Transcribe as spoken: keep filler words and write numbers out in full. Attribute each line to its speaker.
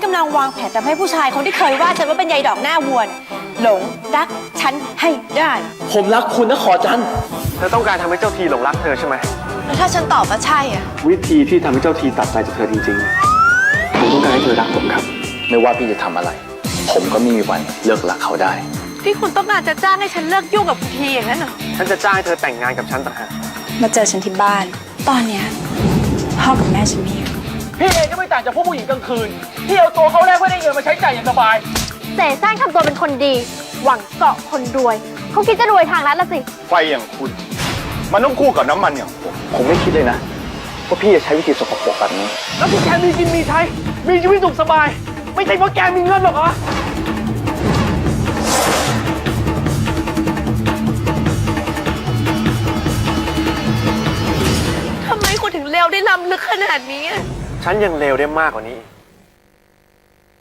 Speaker 1: กำลังวางแผนทำให้ผู้ชายคนที่เคยว่าฉันว่าเป็นยายดอกหน้าวัวหลงรักฉันให้ได้
Speaker 2: ผมรักคุณนะขอจัน
Speaker 3: เธอต้องการทำให้เจ้าทีหลงรักเธอใช่ไหม
Speaker 1: แล้วถ้าฉันตอบว่าใช่อ่ะ
Speaker 3: วิธีที่ทำให้เจ้าทีตัดใจจากเธอจริงๆผมต้องการให้เธอรักผมครับ
Speaker 2: ไม่ว่าพี่จะทำอะไรผมก็ไม่มีวันเลิกรักเขาได้
Speaker 1: ที่คุณต้องการจะจ้างให้ฉันเลิกยุ่งกับคุณทีอย่างนั้นเหรอ
Speaker 3: ฉันจะจ้างให้เธอแต่งงานกับฉันต่างหาก
Speaker 1: มาเจอฉันที่บ้านตอนเนี้ยพ่อกับแม่ฉันไม่อยู่
Speaker 4: พี่เองก็ไม่ต่างจากพวกผู้หญิงกลางคืนที่เอาตัวเขาแลกเพื่อได้เงินมาใช้จ่ายอย่างสบาย
Speaker 5: เสแสร้งทำตัวเป็นคนดีหวังเกาะคนรวยเขาคิดจะรวยทางนั้นละสิ
Speaker 6: ไฟอย่างคุณมันต้องคู่กับน้ำมันอย่างผม
Speaker 2: ผมไม่คิดเลยนะว่าพี่จะใช้วิธีสกปรกแบบนี้
Speaker 4: แล้วที่แกมีกินมีใช้มีชีวิตสุขสบายไม่ใช่เพราะแกมีเงินหรอกเหรอ
Speaker 1: ทำไมคุณถึงเลวได้ล้ำลึกขนาดนี้
Speaker 3: ฉันยังเลวได้มากกว่านี้